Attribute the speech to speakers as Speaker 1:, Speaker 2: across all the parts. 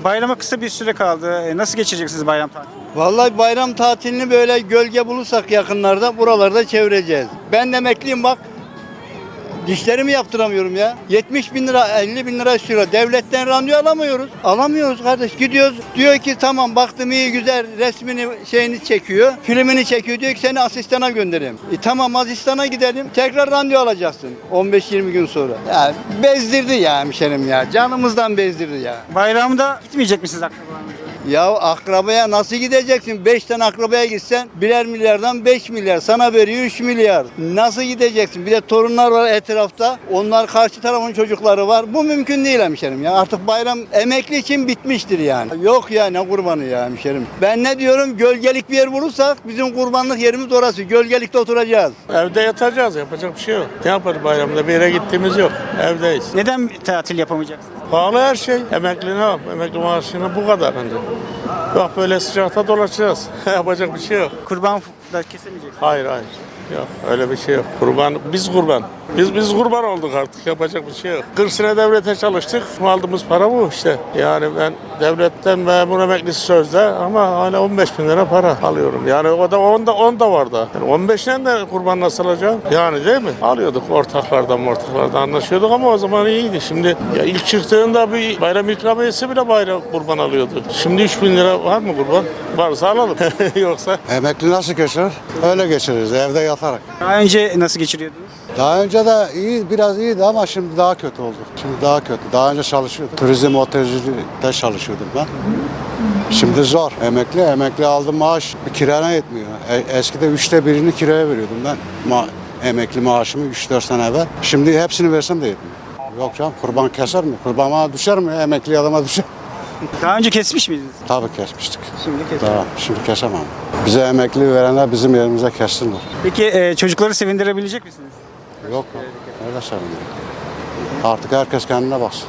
Speaker 1: Bayrama kısa bir süre kaldı. Nasıl geçireceksiniz bayram tatilini?
Speaker 2: Vallahi bayram tatilini böyle gölge bulursak yakınlarda buralarda çevireceğiz. Ben de emekliyim bak. Dişlerimi yaptıramıyorum ya. 70 bin lira, 50 bin lira istiyor. Devletten randevu alamıyoruz. Alamıyoruz kardeş. Gidiyoruz. Diyor ki tamam baktım iyi güzel resmini şeyini çekiyor. Filmini çekiyor. Diyor ki seni asistana göndereyim. Tamam asistana gidelim. Tekrar randevu alacaksın. 15-20 gün sonra. Ya bezdirdi ya hemşerim ya. Canımızdan bezdirdi ya.
Speaker 1: Bayramda gitmeyecek misiniz akrabalarınıza?
Speaker 2: Ya akrabaya nasıl gideceksin? 5 tane akrabaya gitsen birer milyardan 5 milyar. Sana veriyor 3 milyar. Nasıl gideceksin? Bir de torunlar var etrafta. Onlar karşı tarafın çocukları var. Bu mümkün değil hemşerim ya. Artık bayram emekli için bitmiştir yani. Yok ya ne kurbanı ya hemşerim. Ben ne diyorum? Gölgelik bir yer bulursak bizim kurbanlık yerimiz orası. Gölgelikte oturacağız.
Speaker 3: Evde yatacağız. Yapacak bir şey yok. Ne yaparız bayramda? Bir yere gittiğimiz yok. Evdeyiz.
Speaker 1: Neden tatil yapamayacaksınız?
Speaker 3: Pahalı her şey. Emekli ne yap? Emekli maaşını bu kadar bence. Bak böyle sıcakta dolaşacağız. Yapacak bir şey yok.
Speaker 1: Kurban da kesemeyeceksiniz.
Speaker 3: Hayır. Yok öyle bir şey yok. Biz kurban. Biz kurban olduk artık. Yapacak bir şey yok. 40 sene devlete çalıştık. Aldığımız para bu işte. Yani ben devletten memur emeklisi sözde ama hala 15 bin lira para alıyorum. Yani o da 10 da vardı. Yani 15'ten de kurban nasıl alacağım? Yani değil mi? Alıyorduk ortaklardan anlaşıyorduk ama o zaman iyiydi. Şimdi ya ilk çıktığında bir bayram ikramiyesi bile bayram kurban alıyordu. Şimdi 3 bin lira var mı kurban? Varsa alalım. Yoksa
Speaker 4: Emekli nasıl geçirir? Öyle geçiririz evde yatarak.
Speaker 1: Daha önce nasıl geçiriyordunuz?
Speaker 4: Daha önce de biraz iyiydi ama şimdi daha kötü oldu. Şimdi daha kötü. Daha önce çalışıyordum. Turizm otelcilikte çalışıyordum ben. Şimdi zor. Emekli aldım maaş kirana yetmiyor. Eskide 1/3'ünü kiraya veriyordum ben. Emekli maaşımı 3-4 sene evvel. Şimdi hepsini versem de yetmiyor. Yok canım kurban keser mi? Kurban bana düşer mi? Emekli adama düşer.
Speaker 1: Daha önce kesmiş miydiniz?
Speaker 4: Tabii kesmiştik.
Speaker 1: Şimdi kesin.
Speaker 4: Şimdi kesemem. Bize emekli verenler bizim yerimize kessinler.
Speaker 1: Peki çocukları sevindirebilecek misiniz?
Speaker 4: Yok. Öyle sevinirim. Artık herkes kendine baksın.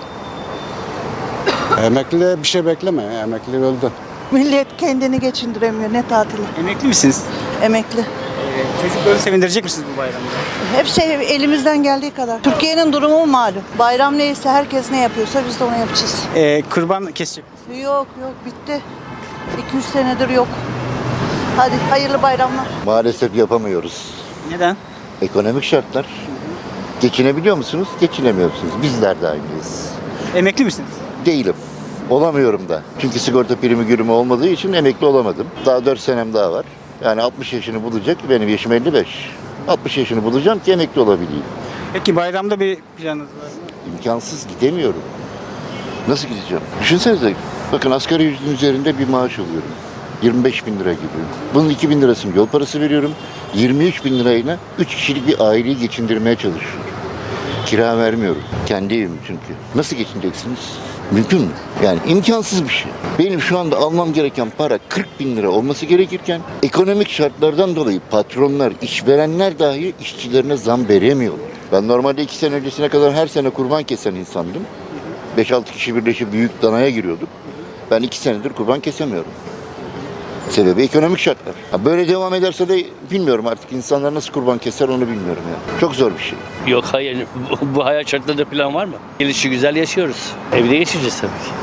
Speaker 4: Emekli bir şey bekleme. Emekli öldü.
Speaker 5: Millet kendini geçindiremiyor. Ne tatili?
Speaker 1: Emekli misiniz?
Speaker 5: Emekli.
Speaker 1: Çocukları sevindirecek misiniz bu bayramda?
Speaker 5: Hep şey elimizden geldiği kadar. Türkiye'nin durumu malum. Bayram neyse herkes ne yapıyorsa biz de onu yapacağız.
Speaker 1: Kurban kesecek misiniz?
Speaker 5: Yok bitti. 200 senedir yok. Hadi hayırlı bayramlar.
Speaker 6: Maalesef yapamıyoruz.
Speaker 1: Neden?
Speaker 6: Ekonomik şartlar. Geçinebiliyor musunuz? Geçinemiyorsunuz. Bizler de aynıyız.
Speaker 1: Emekli misiniz?
Speaker 6: Değilim. Olamıyorum da. Çünkü sigorta primi gürümü olmadığı için emekli olamadım. Daha 4 senem daha var. Yani 60 yaşını bulacak. Benim yaşım 55. 60 yaşını bulacağım ki emekli olabileyim.
Speaker 1: Peki bayramda bir planınız var mı?
Speaker 6: İmkansız gidemiyorum. Nasıl gideceğim? Düşünsenize. Bakın asgari ücretin üzerinde bir maaş alıyorum. 25 bin lira gibi. Bunun 2 bin lirasını yol parası veriyorum. 23 bin lirayla 3 kişilik bir aileyi geçindirmeye çalışıyorum. Kira vermiyorum. Kendi evim çünkü. Nasıl geçineceksiniz? Mümkün mü? Yani imkansız bir şey. Benim şu anda almam gereken para 40 bin lira olması gerekirken ekonomik şartlardan dolayı patronlar, işverenler dahi işçilerine zam veremiyorlar. Ben normalde 2 sene öncesine kadar her sene kurban kesen insandım. 5-6 kişi birleşip büyük danaya giriyorduk. Ben 2 senedir kurban kesemiyorum. Sebebi ekonomik şartlar. Böyle devam ederse de bilmiyorum artık insanlar nasıl kurban keser onu bilmiyorum ya. Çok zor bir şey.
Speaker 7: Yok hayır. Bu hayat şartlarında plan var mı? Gelişi güzel yaşıyoruz. Evde geçireceğiz tabii ki.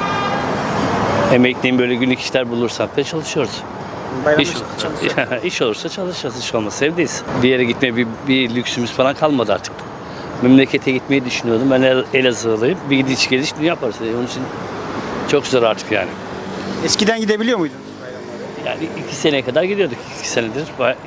Speaker 7: Emekliyim böyle günlük işler bulursak da çalışıyoruz.
Speaker 1: Bayramda
Speaker 7: İş, iş olursa çalışacağız. İş olmazsa evdeyiz. Bir yere gitmeye bir lüksümüz falan kalmadı artık. Memlekete gitmeyi düşünüyordum. Ben Elazığlıyım. Bir gidiş geliş yaparız. Onun için çok zor artık yani.
Speaker 1: Eskiden gidebiliyor muydunuz?
Speaker 7: Yani 2 seneye kadar gidiyorduk. 2 senedir.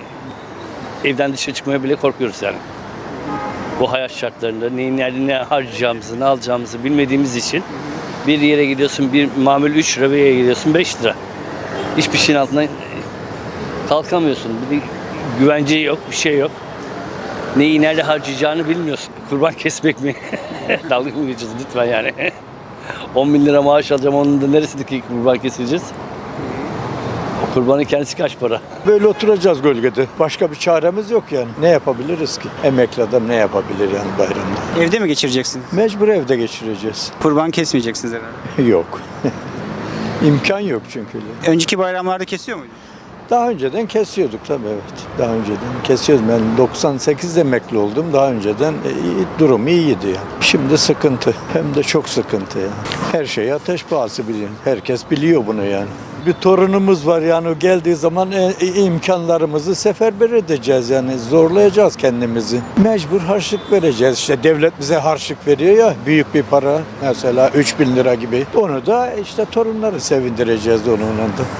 Speaker 7: Evden dışarı çıkmaya bile korkuyoruz yani. Bu hayat şartlarında neyin nerede ne harcayacağımızı, ne alacağımızı bilmediğimiz için bir yere gidiyorsun, bir mamul 3 lira, bir yere gidiyorsun 5 lira. Hiçbir şeyin altından kalkamıyorsun. Bir de güvence yok, bir şey yok. Neyi nerede harcayacağını bilmiyorsun. Kurban kesmek mi? Dalga mı geçiyorsun lütfen yani. 10 bin lira maaş alacağım, onun da neresindeki kurban keseceğiz? O kurbanın kendisi kaç para?
Speaker 8: Böyle oturacağız gölgede. Başka bir çaremiz yok yani. Ne yapabiliriz ki? Emekli adam ne yapabilir yani bayramda?
Speaker 1: Evde mi geçireceksiniz?
Speaker 8: Mecbur evde geçireceğiz.
Speaker 1: Kurban kesmeyeceksiniz herhalde.
Speaker 8: Yok. İmkan yok çünkü.
Speaker 1: Önceki bayramlarda kesiyor muydunuz?
Speaker 8: Daha önceden kesiyorduk tabii, evet. Daha önceden kesiyordum. Ben 98'de emekli oldum. Daha önceden durum iyiydi yani. Şimdi sıkıntı. Hem de çok sıkıntı yani. Her şey ateş pahası biliyor. Herkes biliyor bunu yani. Bir torunumuz var yani, o geldiği zaman imkanlarımızı seferber edeceğiz yani, zorlayacağız kendimizi. Mecbur harçlık vereceğiz. İşte devlet bize harçlık veriyor ya, büyük bir para, mesela 3.000 lira gibi. Onu da işte torunları sevindireceğiz onunla da.